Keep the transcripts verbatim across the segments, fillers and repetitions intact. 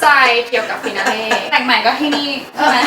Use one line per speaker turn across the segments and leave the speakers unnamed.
ใจเกี่ยวกับฟินาเล่
แต่งใหม่ก็ที่นี่ใช่ไหม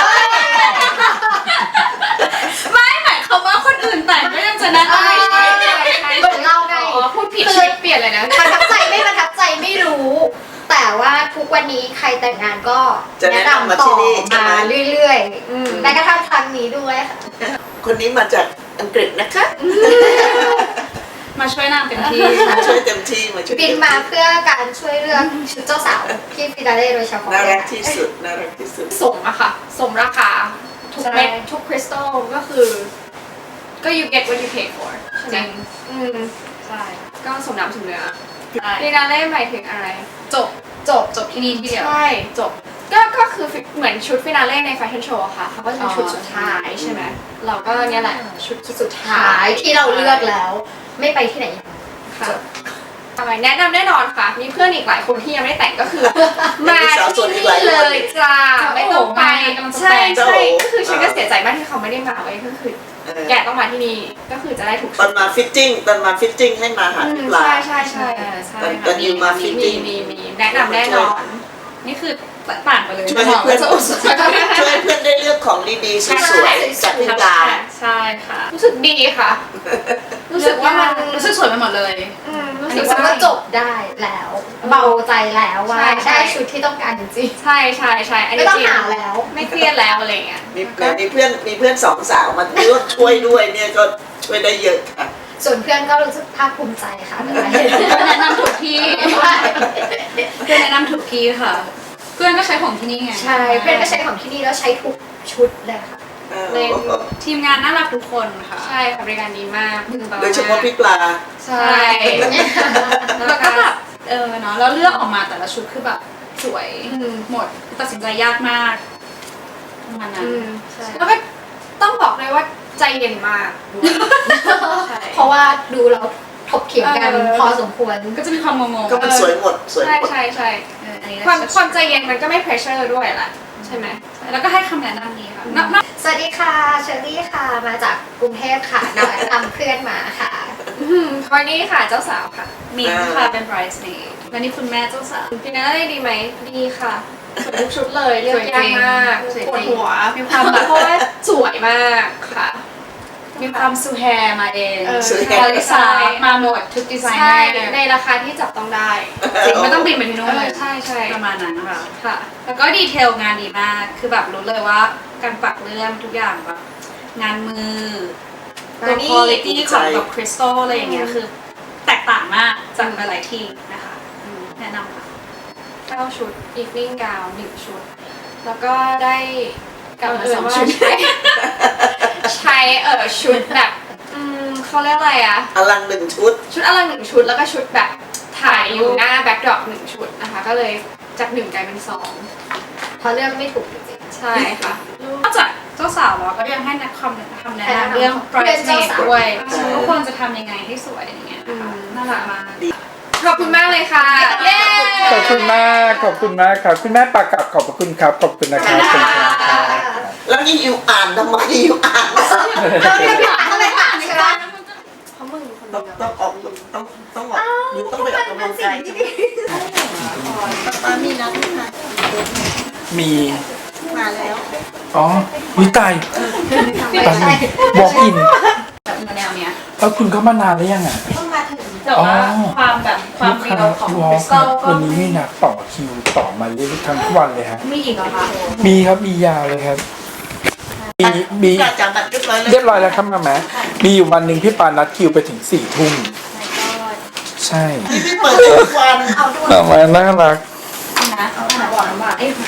ไม่หมายความว่าคนอื่นแต่งก็ยังจะแนะนำไม่ใช่
เหมือนเราไง
อ๋อพูดผิดช่วยเปลี่ยนเลยนะ
ประทับใจไม่ประทับใจไม่รู้ แต่ว่าทุกวันนี้ใครแต่งงานก็แนะนำต่อมาเรื่อยๆแม้กระทั่งครั้งนี้ด้วยค่ะ
คนนี้มาจากอังกฤษนะคะ
มาช่วยนางเต็มที่
มาช่วยเต็มที่มาช่วย
บินมาเพื่อการช่วยเลือกชุดเจ้าสาวที่ฟินาเล่โดยเฉพาะ
น่ารักที่สุดน่ารักที่สุด
สมอะค่ะ สมราคา ทุกเม็ดทุกคริสตัลก็คือ ก็ you get what you pay for ใช่ไหมอืม
ใช่
ก็สมน้ำสมเนื้อ
ใช่
ฟินาเล่หมายถึงอะไร จบ
จบจบที่นี่ที่เดียว
ใช่ จบ ก็ก็คือเหมือนชุดฟินาเล่ในแฟชั่นโชว์ค่ะเขาก็จะเป็นชุดสุดท้ายใช่ไหมเราก็เนี่ยแหละชุดสุดท้า
ท้าย
ย
ที่เราเลือกแล้ว ไม่ไปที่ไหน
ค่ะทำไมแนะนำแน่นอนค่ะ มีเพื่อนอีกหลายคนที่ยังไม่แต่งก็คือ มาที่นี่เลยจ้าไม่ต้องไปใช่ใช่ก็คือฉันก็เสียใจมากที่เขาไม่ได้มาไว้ก็คือแกต้องมาที่นี่ก็คือจะได้ถูก
ตอนมาฟิตติ้งตอนมาฟิตติ้งให้มาหาพี่ปลา
ใช่ใช่ใช่
เออใช่
ตอนตอ
ค่ะ
นอยู่มาฟิต
มี
ติ้ง
มีมีแนะนำแน่นอน
นี่คือต่างไปเลย
ช่วยให้เพื่อนช่วยให้เพื่อนได้เลือกของดีๆสวยๆจากพี่ปลา
ใช่ค่ะ
รู้สึกดีค่ะ รู้สึกว่ามัน
รู้สึกสวยไปหมดเลย
อืมรู้
รู้
สึ
สึ
ก
ก
ว่า
ว่าจบได้แล้ว เบาใจแล้วว่า
ใช่ใช่
ได้ชุดที่ต้องการจริง
ใช่ใช่ใช่อัน
ๆไม่
นี้
ต้อง
จริง
หาแล้ว
ไม่เครียดแล้วอะไรเงี้ย
มีมีเพื่อนมีเพื่อนสองสาวมาร่วมช่วยด้วยเนี่ยก็ช่วยได้เยอะค่ะ
ส่วนเพื่อนก็รู้สึกภาคภูมิใจค่ะแต่ว่า
แนะนำถูกที่เพื่อนแนะนำถูกที่ค่ะ เพื่อนก็ใช้ของที่นี่ไง
ใช่เพื่อนก็ใช้ของที่นี่แล้วใช้ทุกชุดเลยค่ะ
เล่น
ทีมงานน่ารักทุกคนค่ะ
ใช่ค่ะบริการดีมากมือเบา
โดยเฉพาะพี่ปลา
ใช่
แล้วก็แบบเออเนาะแล้วเลือกออกมาแต่ละชุดคือแบบสวย
อืม
หมดตัดสินใจยากมากประมาณนั้น
อืม
ใช่
แล้วก็ต้องบอกเลยว่าใจเย็นมากใช่
เพราะว่าดูแล้วถกเถียงกัน
เออ
พอสมควร
ก็จะมีความงงๆ
ก็มันสวยหมดสวย
ใช่
หมด
ใช่ใช่
เอออันนี้
ความความใจเย็นมันก็ไม่เพรสเชอร์ด้วยแหละใช่ไหม
แล้วก็ให้คำแนะนำดีค่ะนอกนอก
สวัสดีค่ะเชอรี่ค่ะมาจากกรุงเทพค่ะนำนำเพื่อนมาค่ะ
อืมวันนี้ค่ะเจ้าสาวค่ะ
มินค่ะเป็น bridesmaid และนี่คุณแม่เจ้าสาว
ฟินาเล่ดีไหมดีค่ะสวยทุกชุดเลยเลือกยากมาก
สวย
ปวด
จริง
หัว
มีความแบบ
เพราะว่าสวยมากค่ะ
มีความซูแฮร์มาเอง
เออ
ซูแฮ
บริษัทมาหมดทุกดีไซเน
ใช่
อร์
ในราคาที่จับต้องได้
จริงไม่ต้องบินไปที่นู่นเลย
ใช่ใช่
ประมาณนั้นนะคะ
ค่ะ
แล้วก็ดีเทลงานดีมาก คือแบบรู้เลยว่าการปักเลื่อมทุกอย่างแบบงานมือตัว คุณภาพของแบบคริสตัลอะไรอย่างเงี้ยคือแตกต่างมากจากหลายๆที่นะคะอืมแนะนำค่ะ
เก้าชุด evening gown หนึ่งชุด แล้วก็ได้กลับมา
เออ
สอง
ว่า
ชุดใช้ ใช้เออชุดแบบอืมเขาเรียกอะไรอะ
อลังหนึ่งชุด
ชุดอลังหนึ่งชุดแล้วก็ชุดแบบถ่ายอยู่หน้าแบ็คดรอปหนึ่งชุดนะคะ ก็เลยจากหนึ่งกลายเป็นสอง
เพราะเลือกไม่ถูกจริง
ใช่ค่ะ
นอกจากเจ้าสาวแล้วก็ยังให้นักคำคำแนะ
แนะนำ
นำเรื่อง
เรื่องเจ้า
bridesmaid
สาว
ด้วย
ใช่
ว่าควรจะทำยังไงให้สวยอย่างเงี้ยนะคะ
อืม
น่ารักมาก
ขอบคุณมากเลยค่ะ เย้
ขอบคุณมากขอบคุณมากครับคุณแม่ปากกับขอบพระคุณครับขอบคุณนะครับขอบคุณครับ
แล้วนี่อยู่อ่านทำไมอยู่อ่าน
เราเรียกพี่ปาเข้าไปปากใช่ไหม
เพราะมึงคน
ต้
เดี
อง
ยว
ต้องออกต้องต้องออกอยู่ต้องไปออกกำลังกายใช่ไหมป้ามีนัดไหมคะ
มี
มาแล้ว
อ๋อวิตายตอนนี้บอกอิน
แบบแนวเนี้ย
แล้วคุณเข้ามานานหรือยังอ่ะ
ต้องมาถึง
แต่ว่าความแบบความเรียวของ
วอ
ค
ล
ริสตัลก็
วันนี้มีนัดต่อคิวต่อมาเรื่อยๆทั้งวันเลยฮะ
มีอีกเหรอคะ
มีครับมียาวเลยครับมีมี
กาจังบัตรเรียบร้อยแล้ว
เรียบร้อยแล้วครับมาแม่มีอยู่วันหนึ่งพี่ปานัดคิวไปถึงสี่ทุ่มใช่
นี่พี่เปิดทุกวัน
เอาด้วย
มาแม่น่ารัก
นะเอาหาบอกน้ำหวานเอ้ย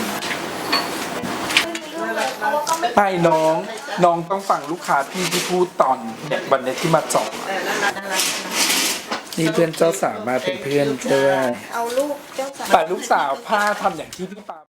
ไปน้องน้องต้องฟังลูกค้าพี่ที่พูดตอนเนี่ยวันนี้ที่มาจอง
เออน่ารักน่ารัก
นี่เพื่อนเจ้าสาวมาเป็นเพื่อนด้วย
เอาลูกเจ้าสาว
แต่ลูกสาวผ้าทำอย่างที่พี่ปา